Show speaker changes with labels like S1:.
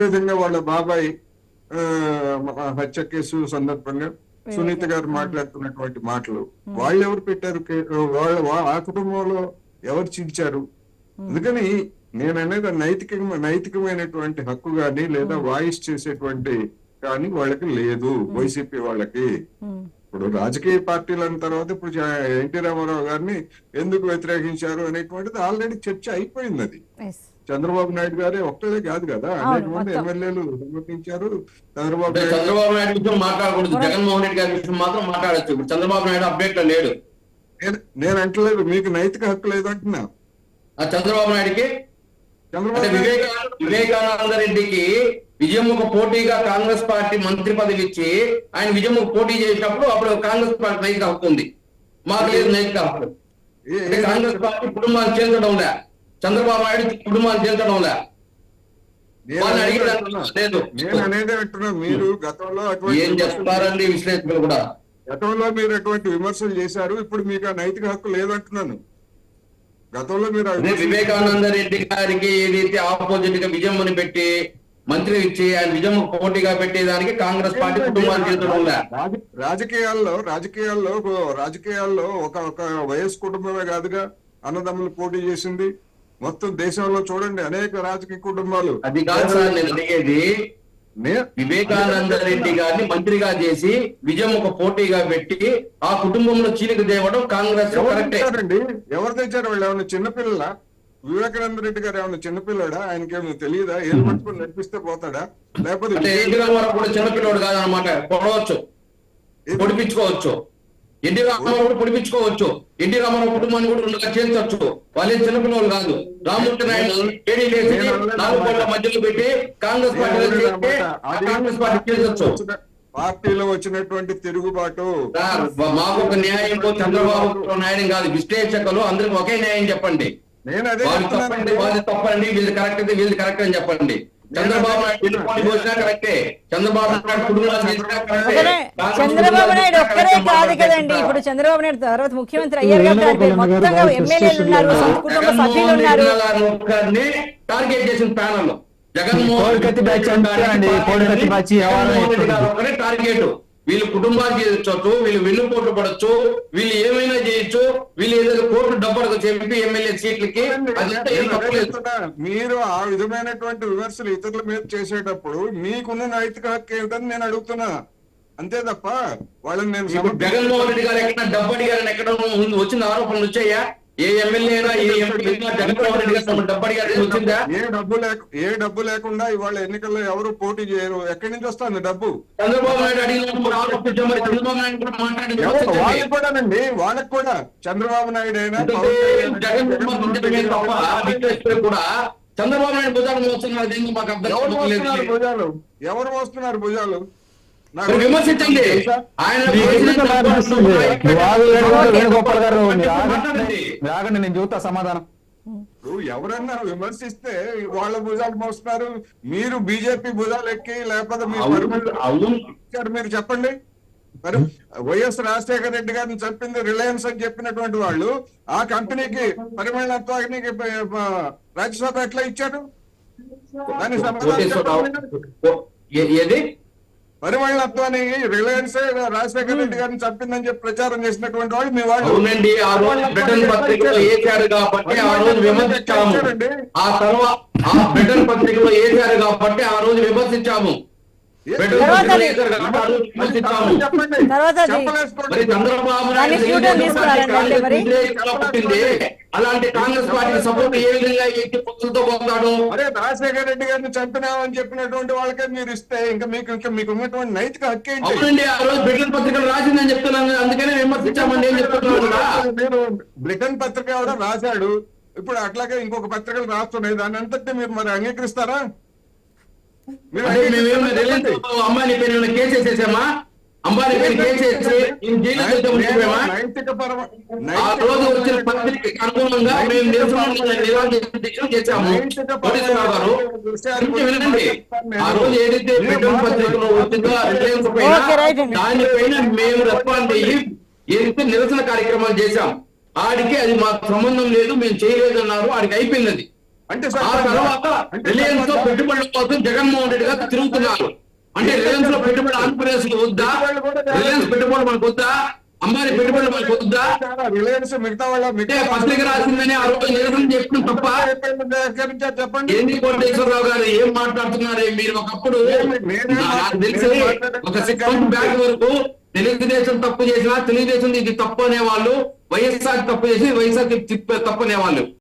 S1: విధంగా వాళ్ళ బాబాయ్ హత్య కేసు సందర్భంగా సునీత గారు మాట్లాడుతున్నటువంటి మాటలు వాళ్ళు ఎవరు పెట్టారు, ఆ కుటుంబంలో ఎవరు చించారు? అందుకని నేను అనేది నైతికమైనటువంటి హక్కు కానీ లేదా వాయిస్ చేసేటువంటి కానీ వాళ్ళకి లేదు, వైసీపీ వాళ్ళకి. ఇప్పుడు రాజకీయ పార్టీలు అన్న తర్వాత ఇప్పుడు ఎన్టీ రామారావు గారిని ఎందుకు వ్యతిరేకించారు అనేటువంటిది ఆల్రెడీ చర్చ అయిపోయింది. అది చంద్రబాబు నాయుడు గారే ఒక్కడే కాదు కదా, అనేక మంది ఎమ్మెల్యేలు సమర్పించారు.
S2: చంద్రబాబు నాయుడు విషయం మాట్లాడకూడదు, జగన్మోహన్ రెడ్డి గారి విషయం మాత్రం మాట్లాడచ్చు. ఇప్పుడు చంద్రబాబు నాయుడు అప్డేట్ లో లేడు.
S1: నేను అంటలేదు మీకు నైతిక హక్కు లేదు అంటున్నా.
S2: చంద్రబాబు నాయుడికి వివేకానంద రెడ్డికి విజయముఖ పోటీగా కాంగ్రెస్ పార్టీ మంత్రి పదవి ఇచ్చి ఆయన విజయముఖ పోటీ చేసినప్పుడు అప్పుడు కాంగ్రెస్ పార్టీ నైతిక హక్కు ఉంది, మాకు లేదు నైతిక హక్కు. కాంగ్రెస్ పార్టీ కుటుంబాన్ని చేర్చడం లే, చంద్రబాబు నాయుడు కుటుంబాన్ని చేర్చడం లే.
S1: మీరు గతంలో
S2: ఏం చేస్తున్నారండి విశ్లేషకులు కూడా?
S1: గతంలో మీరు అటువంటి విమర్శలు చేశారు, ఇప్పుడు మీకు ఆ నైతిక హక్కు లేదంటున్నాను. గతంలో మీరు
S2: వివేకానంద రెడ్డి గారికి ఏదైతే ఆపోజిట్ గా విజయమ్మని పెట్టి మంత్రి ఇచ్చి ఆయన విజయమ్మ పోటీగా పెట్టేదానికి కాంగ్రెస్ పార్టీ కుటుంబాన్ని
S1: రాజకీయాల్లో ఒక వయస్సు కుటుంబమే కాదుగా అన్నదమ్ములు పోటీ చేసింది. మొత్తం దేశంలో చూడండి అనేక రాజకీయ కుటుంబాలు.
S2: అది కాదు సార్ నేను అడిగేది, వివేకానంద రెడ్డి గారిని మంత్రిగా చేసి విజయముఖ పోటీగా పెట్టి ఆ కుటుంబంలో చీలిక తేవడం కాంగ్రెస్
S1: అండి. ఎవరు తెచ్చారు? వాళ్ళు ఏమన్నా చిన్నపిల్లల? వివేకానంద రెడ్డి గారు ఏమన్నా చిన్నపిల్లడా? ఆయనకేమో తెలియదా? ఏం పట్టుకుని నడిపిస్తే పోతాడా? లేకపోతే
S2: చిన్నపిల్లడు కాదనమాట, పొడవచ్చు, పొడిపించుకోవచ్చు. ఎన్టీ రామారావు కూడా పొడిపించుకోవచ్చు. ఎన్టీ రామారావు కుటుంబాన్ని కూడా 2 లక్షలు చేర్చవచ్చు. వాళ్ళే చిన్నపిల్లలు కాదు. రామ్మూర్తి నాయుడు మధ్యలో పెట్టి కాంగ్రెస్ పార్టీ చేర్చొచ్చు.
S1: పార్టీలో వచ్చినటువంటి తిరుగుబాటు
S2: మాకు ఒక న్యాయం, చంద్రబాబు న్యాయం కాదు. విశ్లేషకులు అందరికి ఒకే న్యాయం చెప్పండి.
S1: నేను అదే
S2: తప్పండి, వాళ్ళు తప్పండి, వీళ్ళు కరెక్ట్ అయితే వీళ్ళు కరెక్ట్ అని చెప్పండి. చంద్రబాబు నాయుడు పోసినా కరెక్టే, చంద్రబాబు నాయుడు కుటుంబాన్ని
S3: చంద్రబాబు నాయుడు ఒక్కరే కాదు కదండి. ఇప్పుడు చంద్రబాబు నాయుడు తర్వాత ముఖ్యమంత్రి అయ్యారు కాబట్టి మొత్తంగా ఎమ్మెల్యేలు ఉన్నారు, కుటుంబ సభ్యులు ఉన్నారు.
S2: టార్గెట్ చేసిన ప్యానల్ జగన్మోహన్ టార్గెట్. వీళ్ళు కుటుంబాలు చేయొచ్చు, వీళ్ళు వెన్నుపోటు పడచ్చు, వీళ్ళు ఏమైనా చేయొచ్చు, వీళ్ళు ఏదైనా కోర్టు డబ్బు చెప్పి ఎమ్మెల్యే సీట్లకి.
S1: మీరు ఆ విధమైనటువంటి విమర్శలు ఇతరుల మీద చేసేటప్పుడు మీకున్న నైతిక హక్కు ఏమిటని నేను అడుగుతున్నా, అంతే తప్ప వాళ్ళని నేను.
S2: జగన్మోహన్ రెడ్డి గారు ఎక్కడ డబ్బు అడిగారని ఎక్కడ వచ్చిన ఆరోపణలు వచ్చాయా? ఏ ఎమ్మెల్యే జగన్మోహన్ రెడ్డి గారు డబ్బు అడిగారు వచ్చిందా?
S1: ఏ డబ్బు లేకుండా ఇవాళ ఎన్నికల్లో ఎవరు పోటీ చేయరు. ఎక్కడి నుంచి వస్తుంది డబ్బు?
S2: చంద్రబాబు నాయుడు అడిగినప్పుడు ఆరోపించారు. చంద్రబాబు నాయుడు కూడా మాట్లాడి
S1: వాళ్ళకి కూడానండి, వాళ్ళకి కూడా చంద్రబాబు నాయుడు అయినా
S2: కూడా చంద్రబాబు నాయుడు భుజాలు మోస్తున్నారు. మాకు అర్థం
S1: భుజాలు ఎవరు మోస్తున్నారు? భుజాలు
S2: విమర్శించండి. ఆయన
S4: నేను చూస్తా సమాధానం.
S1: ఎవరన్నా విమర్శిస్తే వాళ్ళ భుజాలు మోస్తున్నారు, మీరు బీజేపీ భుజాలు ఎక్కి లేకపోతే మీరు చెప్పండి. మరి వైఎస్ రాజశేఖర రెడ్డి గారిని చెప్పింది రిలయన్స్ అని చెప్పినటువంటి వాళ్ళు ఆ కంపెనీకి పరిమళత్వానికి రాజ్యసభ ఎట్లా ఇచ్చారు? దాని పరిమళత్వాన్ని రిలయన్స్ రాజశేఖర రెడ్డి గారిని చంపిందని చెప్పి ప్రచారం చేసినటువంటి వాళ్ళు మీ వాళ్ళు.
S2: అవునండి, ఆ రోజు బ్రిటన్ పత్రికలో వేశారు కాబట్టి ఆ రోజు విమర్శించాము. ఆ తర్వాత ఆ బ్రిటన్ పత్రికలో వేశారు కాబట్టి ఆ రోజు విమర్శించాము. అలాంటి కాంగ్రెస్ పార్టీ సపోర్ట్ ఏ విధంగా పొత్తులతో పోతాడు?
S1: అరే రాజశేఖర రెడ్డి గారిని చంపినామని చెప్పినటువంటి వాళ్ళకే మీరు ఇస్తే ఇంకా మీకు ఉన్నటువంటి నైతిక హక్కు ఏంటి?
S2: అవునండి, ఆ రోజు బ్రిటన్ పత్రికలు రాసిందని చెప్తున్నాను, అందుకనే విమర్శించామండి ఏం చెప్తున్నాను.
S1: నేను బ్రిటన్ పత్రిక కూడా రాశాడు, ఇప్పుడు అట్లాగే ఇంకొక పత్రికలు రాస్తున్నాయి, దాని అంతటి మీరు మరి అంగీకరిస్తారా?
S2: అమ్మాయిని పేరు కేసేసేసామా? అంబానీ పేరు కేసేసి ఆ రోజు వచ్చిన పత్రికకి అనుగుణంగా మేము నిరాశ చేశాము. వినండి, ఆ రోజు ఏదైతే బ్రిటన్ పత్రికలో వచ్చిందో రిలయన్స్ పైన దానిపైన మేము రెస్పాండ్ అయ్యి ఏదైతే నిరసన కార్యక్రమాలు చేశాం, ఆడికి అది మాకు సంబంధం లేదు, మేము చేయలేదు అన్నారు. ఆడికి అయిపోయింది.
S1: అంటే
S2: ఆ తర్వాత రిలయన్స్ లో పెట్టుబడుల కోసం జగన్మోహన్ రెడ్డి గారు తిరుగుతున్నారు. అంటే రిలయన్స్ లో పెట్టుబడి ఆంధ్రప్రదేశ్ లో వద్దా? రిలయన్స్ పెట్టుబడులు మనకు వద్దా? అంబానీ పెట్టుబడులు మనకు వద్దా?
S1: రిలయన్స్ మిగతా వాళ్ళ
S2: అంటే పత్రిక రాసిందని ఆ రోజు నిరసన చెప్పడం తప్ప
S1: చెప్పండి.
S2: ఏంది కోటేశ్వరరావు గారు ఏం మాట్లాడుతున్నారు? మీరు ఒకప్పుడు నాకు తెలిసి ఒక 6 months బ్యాక్ వరకు తెలుగుదేశం తప్పు చేసినా తెలుగుదేశం ఇది తప్పు అనేవాళ్ళు, వైఎస్ఆర్ తప్పు చేసి వైఎస్ఆర్ తప్పు అనేవాళ్ళు.